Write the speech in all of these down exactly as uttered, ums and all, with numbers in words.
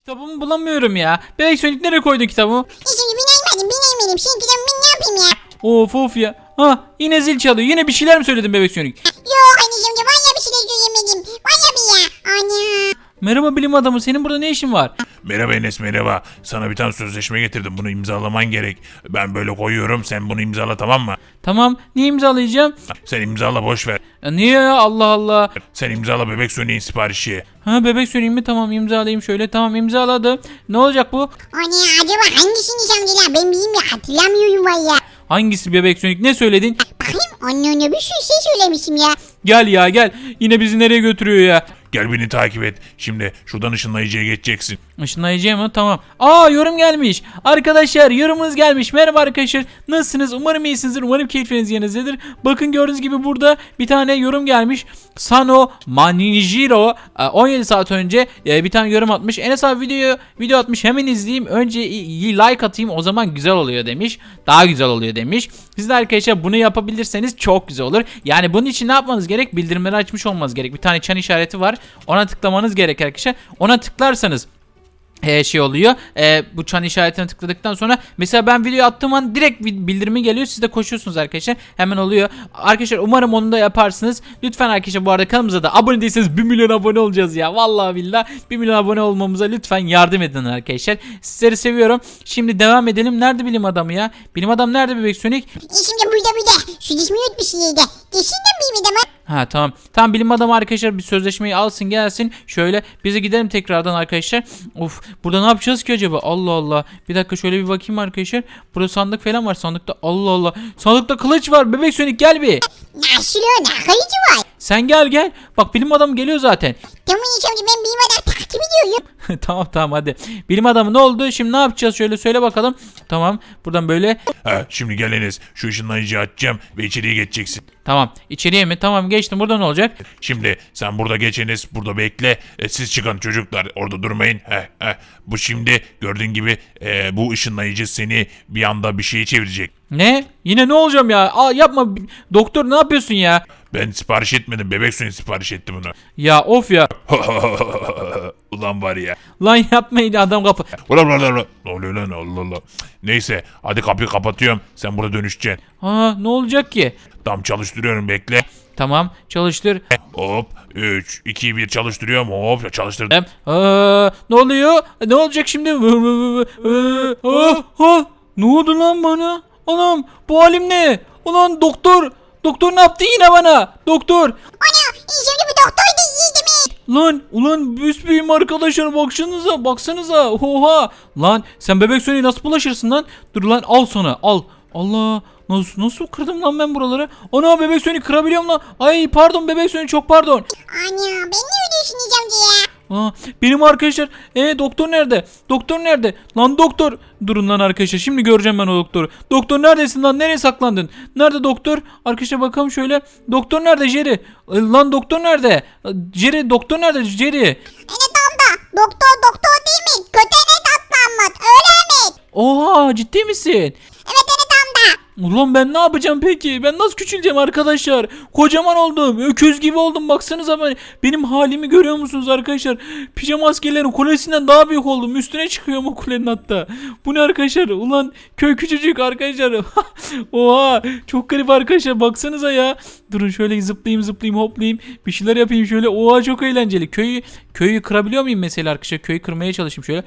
Kitabımı bulamıyorum ya. Bebek Sonic nereye koydun kitabımı? Şimdi bineymedim bineymedim. Şimdi kitabımı ne yapayım ya? Of of ya. Ha yine zil çalıyor. Yine bir şeyler mi söyledin Bebek Sonic? Yok anneciğim de vanya bir şey söylemedim. Vanya bir ya. Ana. Merhaba bilim adamı. Senin burada ne işin var? Merhaba Enes, merhaba. Sana bir tane sözleşme getirdim. Bunu imzalaman gerek. Ben böyle koyuyorum. Sen bunu imzala, tamam mı? Tamam. Niye imzalayacağım? Sen imzala, boş ver. Ya niye ya? Allah Allah. Sen imzala Bebek Sonic'in siparişi. Ha Bebek Sonic'in mi? Tamam imzalayayım şöyle. Tamam imzaladım. Ne olacak bu? Ana acaba hangisini amcalar? Ben bileyim ya hatırlamıyorum valla. Hangisi Bebek Sonic? Ne söyledin? Bakayım anne anne bir sürü şey söylemişim ya. Gel ya gel. Yine bizi nereye götürüyor ya? Gel beni takip et. Şimdi şuradan ışınlayıcıya geçeceksin. Işınlayıcı mı? Tamam. Aa yorum gelmiş. Arkadaşlar yorumunuz gelmiş. Merhaba arkadaşlar. Nasılsınız? Umarım iyisinizdir. Umarım keyfiniz yerindedir. Bakın gördüğünüz gibi burada bir tane yorum gelmiş. Sano Manijiro on yedi saat önce bir tane yorum atmış. Enes abi video video atmış. Hemen izleyeyim. Önce like atayım. O zaman güzel oluyor demiş. Daha güzel oluyor demiş. Siz de arkadaşlar bunu yapabilirseniz çok güzel olur. Yani bunun için ne yapmanız gerek? Bildirimleri açmış olmanız gerek. Bir tane çan işareti var. Ona tıklamanız gerek arkadaşlar. Ona tıklarsanız Ee, şey oluyor. Ee, bu çan işaretine tıkladıktan sonra mesela ben video attığım an direkt bildirimi geliyor. Siz de koşuyorsunuz arkadaşlar. Hemen oluyor. Arkadaşlar umarım onu da yaparsınız. Lütfen arkadaşlar bu arada kanalımıza da abone değilseniz bir milyon abone olacağız ya. Vallahi billahi bir milyon abone olmamıza lütfen yardım edin arkadaşlar. Sizleri seviyorum. Şimdi devam edelim. Nerede bilim adamı ya? Bilim adam nerede Bebek Sonic? E şimdi burada burada. Şu cismi yutmuş yedi. Geçinden bir mi de Ha tamam. Tamam bilim adamı arkadaşlar bir sözleşmeyi alsın gelsin. Şöyle bize gidelim tekrardan arkadaşlar. Of burada ne yapacağız ki acaba? Allah Allah. Bir dakika şöyle bir bakayım arkadaşlar. Burada sandık falan var. Sandıkta Allah Allah. Sandıkta kılıç var. Bebek Sonic gel bir. Nasıl o? Ne kalıcı var? Sen gel gel. Bak bilim adamı geliyor zaten. Tamam amca ben bilim adamı takip ediyorum. Tamam tamam hadi. Bilim adamı ne oldu? Şimdi ne yapacağız? Şöyle söyle bakalım. Tamam. Buradan böyle. Ha, şimdi gel Enes. Şu ışınlayıcıyı açacağım ve içeriye geçeceksin. Tamam. İçeriye mi? Tamam geçtim. Burada ne olacak? Şimdi sen burada geç Enes. Burada bekle. E, siz çıkın çocuklar. Orada durmayın. Heh, heh. Bu şimdi gördüğün gibi e, bu ışınlayıcı seni bir anda bir şeye çevirecek. Ne? Yine ne olacağım ya? Aa yapma. Doktor ne yapıyorsun ya? Ben sipariş etmedim. Bebek Sonic sipariş etti bunu. Ya of ya. Ulan var ya. Lan yapmayın adam kapı. Ulan ulan ulan. Ne oluyor lan, Allah Allah. Neyse hadi kapıyı kapatıyorum. Sen burada dönüşeceksin. Aa ne olacak ki? Tam çalıştırıyorum, bekle. Tamam çalıştır. Hop üç iki bir çalıştırıyorum. Hop çalıştırdım. Aa, ne oluyor? Ne olacak şimdi? Aa, aa, ne oldu lan bana? Anam bu halim ne? Ulan doktor. Doktor ne yaptı yine bana? Doktor. Ana şimdi bu doktor da iyi değil mi? Lan ulan büsbüyüm arkadaşlar baksanıza baksanıza. Oha. Lan sen Bebek Sonic'e nasıl bulaşırsın lan? Dur lan al sana al. Allah. Nasıl, nasıl kırdım lan ben buraları? Ana Bebek Sonic kırabiliyorum lan. Ay pardon Bebek Sonic çok pardon. Ana ben ne ödüyorsun diyeceğim diye. Aa, benim arkadaşlar. E doktor nerede? Doktor nerede? Lan doktor. Durun lan arkadaşlar. Şimdi göreceğim ben o doktoru. Doktor neredesin lan? Nereye saklandın? Nerede doktor? Arkadaşlar bakalım şöyle. Doktor nerede Jerry? E, lan doktor nerede? E, Jerry doktor nerede Jerry? Evet amca doktor doktor değil mi? Kötü evet atlanmat öyle mi? Oha ciddi misin? Evet evet amca. Ulan ben ne yapacağım peki? Ben nasıl küçüleceğim arkadaşlar? Kocaman oldum. Öküz gibi oldum. Baksanıza ben. Benim halimi görüyor musunuz arkadaşlar? Pijama askerlerin kulesinden daha büyük oldum. Üstüne çıkıyorum o kulenin hatta. Bu ne arkadaşlar? Ulan köy küçücük arkadaşlar. Oha. Çok garip arkadaşlar. Baksanıza ya. Durun şöyle zıplayayım zıplayayım hoplayayım. Bir şeyler yapayım şöyle. Oha çok eğlenceli. Köyü köyü kırabiliyor muyum mesela arkadaşlar? Köyü kırmaya çalışayım şöyle.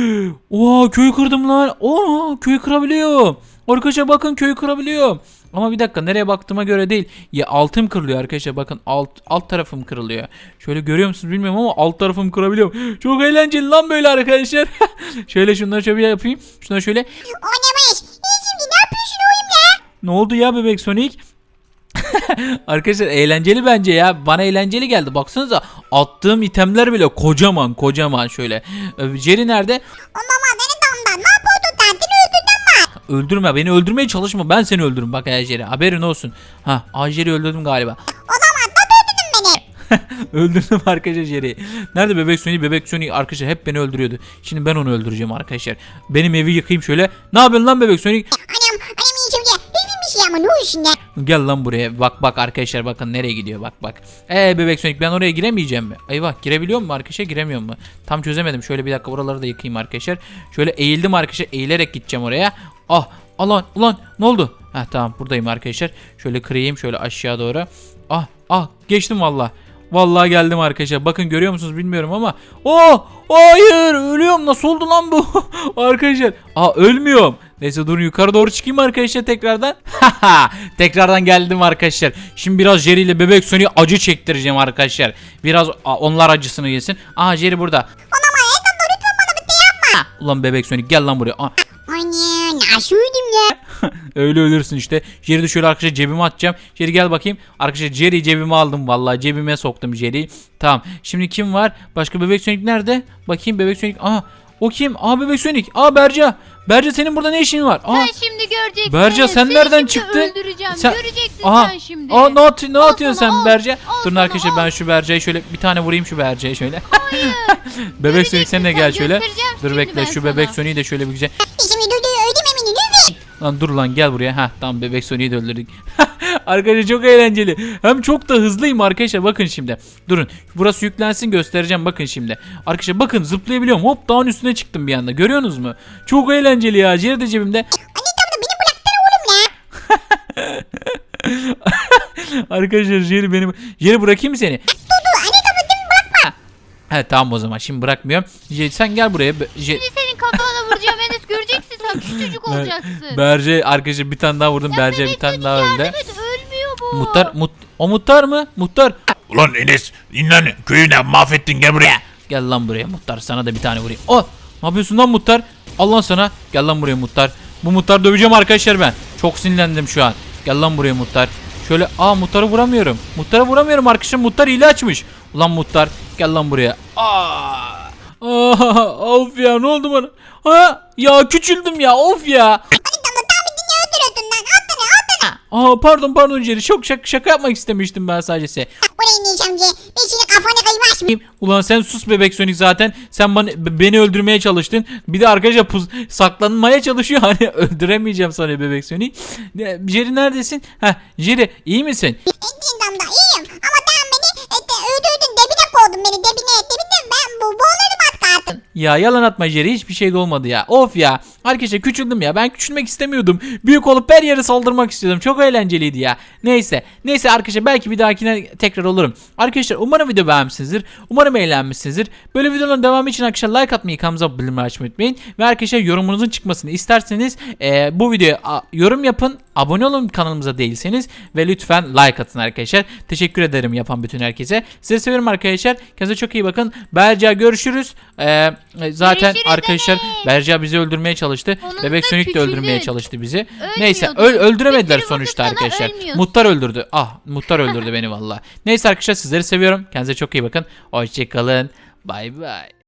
Oha köyü kırdım lan. Oha köyü kırabiliyorum. Arkadaşlar bakın köyü kırabiliyorum. Ama bir dakika nereye baktığıma göre değil. Ya altım kırılıyor arkadaşlar bakın alt alt tarafım kırılıyor. Şöyle görüyor musunuz bilmiyorum ama alt tarafımı kırabiliyorum. Çok eğlenceli lan böyle arkadaşlar. Şöyle şunları şöyle yapayım. Şunları şöyle. Oynamaz. İyi şimdi ne yapıyorsun oğlum ya? Ne oldu ya Bebek Sonic? Arkadaşlar eğlenceli bence ya. Bana eğlenceli geldi. Baksanıza attığım itemler bile kocaman kocaman şöyle. Jerry nerede? Mama beni damdan ne yapıyordun tatil öldürdün mü? Öldürme beni öldürmeye çalışma. Ben seni öldürürüm bak Jerry. Haberin olsun. Ha Jerry öldürdüm galiba. O zaman da öldürdün beni. Öldürdüm arkadaşlar Jerry'i. Nerede Bebek Sonic? Bebek Sonic arkadaşlar hep beni öldürüyordu. Şimdi ben onu öldüreceğim arkadaşlar. Benim evi yıkayayım şöyle. Ne yapıyorsun lan Bebek Sonic? Anam anam iyi şimdi hiçbir şey ama ne olsun ya? Gel lan buraya. Bak bak arkadaşlar bakın nereye gidiyor bak bak. Eee bebek Sonic ben oraya giremeyeceğim mi? Eyvah girebiliyor mu arkadaşlar giremiyor mu? Tam çözemedim. Şöyle bir dakika buraları da yıkayayım arkadaşlar. Şöyle eğildim arkadaşlar. Eğilerek gideceğim oraya. Ah alan ulan ne oldu? Heh tamam buradayım arkadaşlar. Şöyle kırayım şöyle aşağı doğru. Ah ah geçtim valla. Vallahi geldim arkadaşlar. Bakın görüyor musunuz bilmiyorum ama. Oh hayır ölüyorum. Nasıl oldu lan bu? Arkadaşlar. Aa ölmüyorum. Neyse durun yukarı doğru çıkayım arkadaşlar tekrardan. Tekrardan geldim arkadaşlar. Şimdi biraz Jerry ile bebek Sonic'e acı çektireceğim arkadaşlar. Biraz a, onlar acısını yesin. Aha Jerry burada. Anam ayakkabı lütfen bana bir şey yapma. Ulan bebek Sonic gel lan buraya. Aa, Anne nasıl öldüm ya? öyle ölürsün işte. Jerry de şöyle arkadaşlar cebime atacağım. Jerry gel bakayım. Arkadaşlar Jerry'i cebime aldım vallahi. Cebime soktum Jerry'i. Tamam. Şimdi kim var? Başka bebek Sonic nerede? Bakayım bebek Sonic. Aha o kim? Aa bebek Sonic. Aa Berca. Berca senin burada ne işin var? Aa. Sen şimdi göreceksin. Berca sen Seni nereden şimdi çıktın? Öldüreceğim. Sen- Göreceksin Aha. sen şimdi. Aa ne, atı- ne Al atıyorsun sana, sen al. Berca? Al Durun sana, arkadaşlar al. ben şu Berca'yı şöyle bir tane vurayım şu Berca'ya şöyle. bebek Sonic sen de Göreceksin gel sen, şöyle. göstereceğim Dur şimdi bekle ben şu sana. bebek Sonic'i de şöyle bir güzel. Şimdi dur dur öldüm eminim lütfen. Lan dur lan gel buraya. Ha tamam bebek Sonic'i de öldürdük. Arkadaşlar çok eğlenceli. Hem çok da hızlıyım arkadaşlar. Bakın şimdi. Durun. Burası yüklensin göstereceğim. Bakın şimdi. Arkadaşlar bakın zıplayabiliyorum. Hop dağın üstüne çıktım bir anda. Görüyorsunuz mu? Çok eğlenceli ya. Jerry de cebimde. Anne tamam da beni bıraksana oğlum ya. Arkadaşlar Jerry benim. Jerry bırakayım mı seni? Dur dur anne tamam değil mi bırakma. He tamam o zaman. Şimdi bırakmıyorum. Jerry sen gel buraya. Be- Jerry- Şimdi senin kafana vuracağım Enes, göreceksin sen küçücük olacaksın. Berce arkadaşlar bir tane daha vurdum. Berce bir Bebek tane Sonic daha yardım öldü. et, ölmüyor bu. Muhtar, mut, o muhtar mı? Muhtar. Ulan Enes inan köyü de mahvettin gel buraya. Gel lan buraya muhtar. Sana da bir tane vurayım. Oh! Ne yapıyorsun lan muhtar? Al lan sana. Gel lan buraya muhtar. Bu muhtar döveceğim arkadaşlar ben. Çok sinirlendim şu an. Gel lan buraya muhtar. Şöyle aa muhtarı vuramıyorum. Muhtara vuramıyorum arkadaşlar. Muhtar hile açmış. Ulan muhtar gel lan buraya. Aa! Aa, of ya ne oldu bana? Ha ya küçüldüm ya of ya. Anne tamam tamam dinle öldürüyordun lan. At beni at beni. Aa pardon pardon Jerry. Çok şaka, şaka yapmak istemiştim ben sadece size. Oraya ineceğim amca. Ben şimdi kafanı kıymaş mı? Ulan sen sus bebek Sonic zaten. Sen bana, beni öldürmeye çalıştın. Bir de arkadaşlar puz, saklanmaya çalışıyor. Hani öldüremeyeceğim sana bebek Sonic. Ne- Jerry neredesin? Heh Jerry iyi misin? Ettiğin damda iyiyim. Ama tamam beni et, öldürdün debine koydun beni debine. Debine ben bu boğulurdum az kalsın. Ya yalan atma Jerry hiçbir şey de olmadı ya. Of ya. Arkadaşlar küçüldüm ya. Ben küçülmek istemiyordum. Büyük olup her yere saldırmak istiyordum. Çok eğlenceliydi ya. Neyse. Neyse arkadaşlar belki bir dahakine tekrar olurum. Arkadaşlar umarım video beğenmişsinizdir. Umarım eğlenmişsinizdir. Böyle videoların devamı için arkadaşlar like atmayı, kanalımıza bildirimleri açmayı unutmayın. Ve arkadaşlar yorumunuzun çıkmasını isterseniz e, bu videoya a, yorum yapın. Abone olun kanalımıza değilseniz. Ve lütfen like atın arkadaşlar. Teşekkür ederim yapan bütün herkese. Sizi seviyorum arkadaşlar. Kendinize çok iyi bakın. Berca görüşürüz. E, zaten Görüşürüz arkadaşlar Enes. Berca bizi öldürmeye çalıştı. Onun Bebek da Sonic de küçüldün. öldürmeye çalıştı bizi. Ölmüyordun. Neyse öl öldüremediler Bir sürü sonuçta vurdu sana, arkadaşlar. ölmüyorsun. Muhtar öldürdü. Ah Muhtar öldürdü beni valla. Neyse arkadaşlar sizleri seviyorum. Kendinize çok iyi bakın. Hoşçakalın. Bay bay.